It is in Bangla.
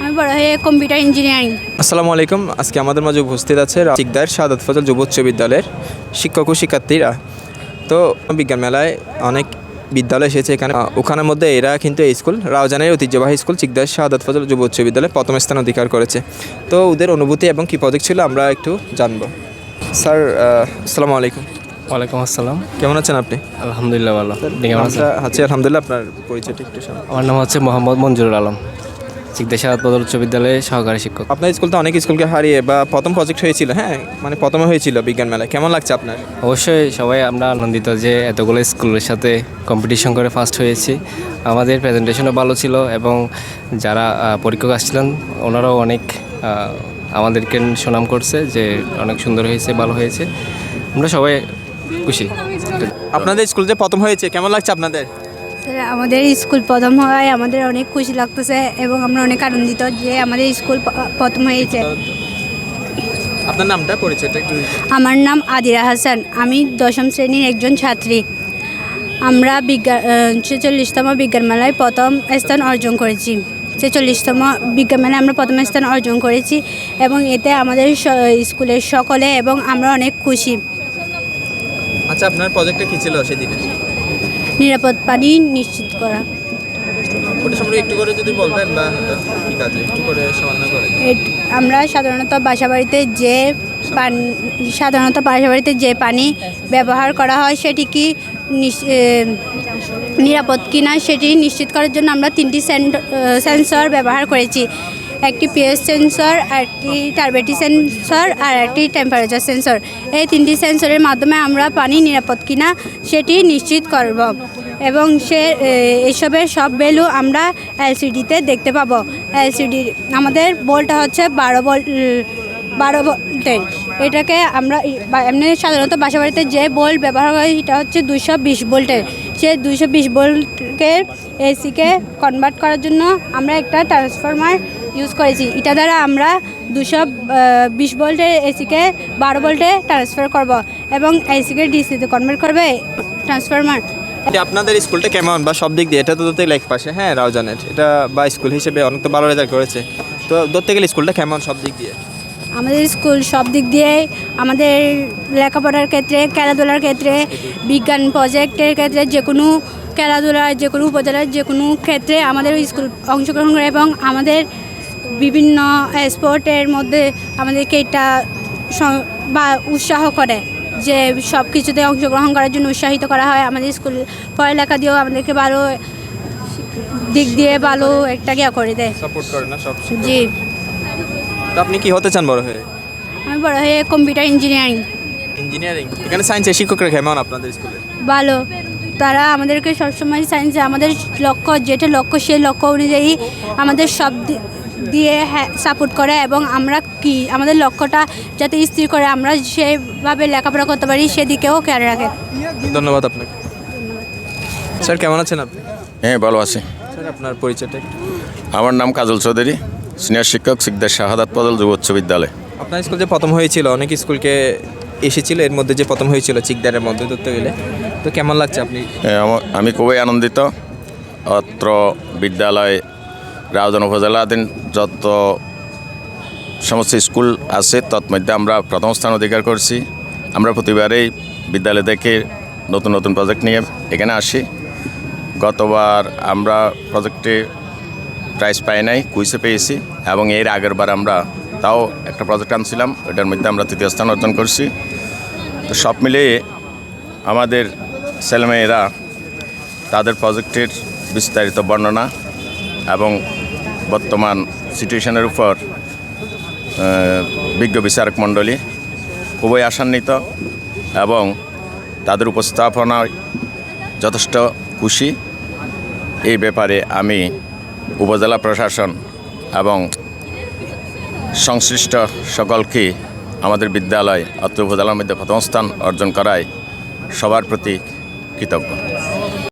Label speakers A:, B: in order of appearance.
A: আমি বড় হয়ে কম্পিউটার ইঞ্জিনিয়ারিং।
B: আসসালামু আলাইকুম। আজকে আমাদের মাঝে উপস্থিত আছে চিকদার শাহাদাত ফজল যুব উচ্চ বিদ্যালয়ের শিক্ষক ও শিক্ষার্থীরা। তো বিজ্ঞান মেলায় অনেক বিদ্যালয় এসেছে এখানে, ওখানের মধ্যে এরা কিন্তু এই স্কুল রাউজানের ঐতিহ্যবাহী স্কুল চিকদার শাহাদাত ফজল যুব উচ্চ বিদ্যালয়ে প্রথম স্থান অধিকার করেছে। তো ওদের অনুভূতি এবং কী প্রজেক্ট ছিল আমরা একটু জানবো। স্যার আসসালামু আলাইকুম।
C: ওয়ালাইকুম আসসালাম।
B: কেমন আছেন আপনি?
C: আলহামদুলিল্লাহ ভালো। কেমন আছেন?
B: আছি আলহামদুলিল্লাহ। আপনার পরিচয়টা একটু শোনান।
C: আমার নাম হচ্ছে মোহাম্মদ মঞ্জুরুল আলম, চিকদার শাহাদাত ফজল উচ্চ বিদ্যালয়ের সহকারী শিক্ষক।
B: আপনার স্কুল তো অনেক স্কুলকে হারিয়ে বা প্রথম প্রজেক্ট হয়েছিল, হ্যাঁ মানে প্রথমে হয়েছিল বিজ্ঞান মেলায়, কেমন লাগছে আপনার?
C: অবশ্যই সবাই আমরা আনন্দিত যে এতগুলো স্কুলের সাথে কম্পিটিশন করে ফার্স্ট হয়েছি। আমাদের প্রেজেন্টেশনও ভালো ছিল এবং যারা পরীক্ষক আসছিলেন ওনারাও অনেক আমাদেরকে সুনাম করছে যে অনেক সুন্দর হয়েছে, ভালো হয়েছে। আমরা সবাই খুশি।
B: আপনাদের স্কুল যে প্রথম হয়েছে কেমন লাগছে আপনাদের?
A: স্যার, আমাদের স্কুল প্রথম হওয়ায় আমাদের অনেক খুশি লাগতেছে এবং আমরা অনেক আনন্দিত যে আমাদের স্কুল প্রথম হয়েছে।
B: আপনার নামটা পরিচয়টা একটু?
A: আমার নাম আদিরা হাসান, আমি 10ম শ্রেণীর একজন ছাত্রী। আমরা 46তম বিজ্ঞান মেলায় প্রথম স্থান অর্জন করেছি। 46তম বিজ্ঞান মেলায় আমরা প্রথম স্থান অর্জন করেছি এবং এতে আমাদের স্কুলের সকলে এবং আমরা অনেক খুশি।
B: আচ্ছা, আপনার প্রজেক্টটা কী ছিল সেদিনে?
A: নিরাপদ পানি নিশ্চিত করা।
B: ওটা সম্পর্কে একটু করে যদি বলবেন, বা কী কাজে একটু করে সামান্য করে।
A: আমরা সাধারণত বাসাবাড়িতে যে পানি ব্যবহার করা হয় সেটি কি নিরাপদ কিনা সেটি নিশ্চিত করার জন্য আমরা 3টি সেন্সর ব্যবহার করেছি। একটি পিএইচ সেন্সর, একটি টার্বেটি সেন্সর আর একটি টেম্পারেচার সেন্সর। এই 3টি সেন্সরের মাধ্যমে আমরা পানি নিরাপদ কিনা সেটি নিশ্চিত করব এবং এসবের সব ভ্যালু আমরা এলসিডিতে দেখতে পাবো। এলসিডি আমাদের ভোল্টটা হচ্ছে 12 ভোল্টের। এটাকে আমরা এমনি সাধারণত বাসাবাড়িতে যে ভোল্ট ব্যবহার করি সেটা হচ্ছে 220 ভোল্টের। সেই 220 ভোল্টকে এসিকে কনভার্ট করার জন্য আমরা একটা ট্রান্সফরমার ইউজ করেছি। এটা দ্বারা আমরা 220 ভোল্টের এসিকে 12 ভোল্টে ট্রান্সফার করব এবং এসিকে ডিসিতে কনভার্ট করবে ট্রান্সফরমার।
B: আপনাদের স্কুলটা কেমন বা সব দিক দিয়ে? এটা তো ধরতে গেলে এক পাশে হ্যাঁ রাউজানের, এটা বা স্কুল হিসেবে অনেক তো ভালো রেজাল্ট করেছে। তো ধরতে গেলে স্কুলটা কেমন সব দিক দিয়ে?
A: আমাদের স্কুল সব দিক দিয়ে আমাদের লেখাপড়ার ক্ষেত্রে, খেলাধুলার ক্ষেত্রে, বিজ্ঞান প্রজেক্টের ক্ষেত্রে, যে কোনো খেলাধুলার, যে কোনো উপজেলার যে কোনো ক্ষেত্রে আমাদের স্কুল অংশগ্রহণ করে এবং আমাদের বিভিন্ন স্পোর্টের মধ্যে আমাদেরকে এটা বা উৎসাহ করে যে সব কিছুতে অংশগ্রহণ করার জন্য উৎসাহিত করা হয়। আমাদের স্কুল পড়ালেখা দিয়েও আমাদেরকে ভালো দিক দিয়ে ভালো একটা করে দেয়,
B: সাপোর্ট করে না সব।
A: জি।
B: তো আপনি কি হতে চান বড় হয়ে?
A: আমি বড় হয়ে কম্পিউটার ইঞ্জিনিয়ারিং।
B: এখানে সায়েন্সের শিক্ষকরা কেমন আপনাদের স্কুলে?
A: ভালো, তারা আমাদেরকে সবসময় সায়েন্সে আমাদের যেটা লক্ষ্য সেই লক্ষ্য অনুযায়ী আমাদের সব দিয়ে সাপোর্ট করে এবং আমাদের লক্ষ্যটা যাতে স্থির করে আমরা সেভাবে লেখাপড়া করতে পারি সেদিকেও খেয়াল রাখে।
B: ধন্যবাদ আপনাকে। স্যার কেমন আছেন আপনি?
D: হ্যাঁ, ভালো আছি।
B: স্যার আপনার পরিচয়টা একটু?
D: আমার নাম কাজল চৌধুরী, সিনিয়র শিক্ষক চিকদার শাহাদাত ফজল যুব উচ্চ বিদ্যালয়।
B: আপনার স্কুল যে প্রথম হয়েছিল, অনেক স্কুলকে এসেছিল, এর মধ্যে যে প্রথম হয়েছিল চিকদারের মধ্যে ধরতে গেলে, তো কেমন লাগছে আপনি?
D: আমি খুবই আনন্দিত। অত্র বিদ্যালয় রাউজান উপজেলাধীন যত সমস্ত স্কুল আছে তৎমধ্যে আমরা প্রথম স্থান অধিকার করছি। আমরা প্রতিবারেই বিদ্যালয় থেকে নতুন নতুন প্রজেক্ট নিয়ে এখানে আসি। গতবার আমরা প্রজেক্টে প্রাইজ পাই নাই, কুইজে পেয়েছি এবং এর আগের বার আমরা তাও একটা প্রজেক্ট আনছিলাম, ওটার মধ্যে আমরা 3য় স্থান অর্জন করছি। তো সব মিলিয়ে আমাদের ছেলেমেয়েরা তাদের প্রজেক্টের বিস্তারিত বর্ণনা এবং বর্তমান সিচুয়েশনের উপর বিজ্ঞ বিচারক মণ্ডলী খুবই আশান্বিত এবং তাদের উপস্থাপনায় যথেষ্ট খুশি। এই ব্যাপারে আমি উপজেলা প্রশাসন এবং সংশ্লিষ্ট সকলকে আমাদের বিদ্যালয় অত্র উপজেলার মধ্যে প্রথম স্থান অর্জন করায় সবার প্রতি কৃতজ্ঞ।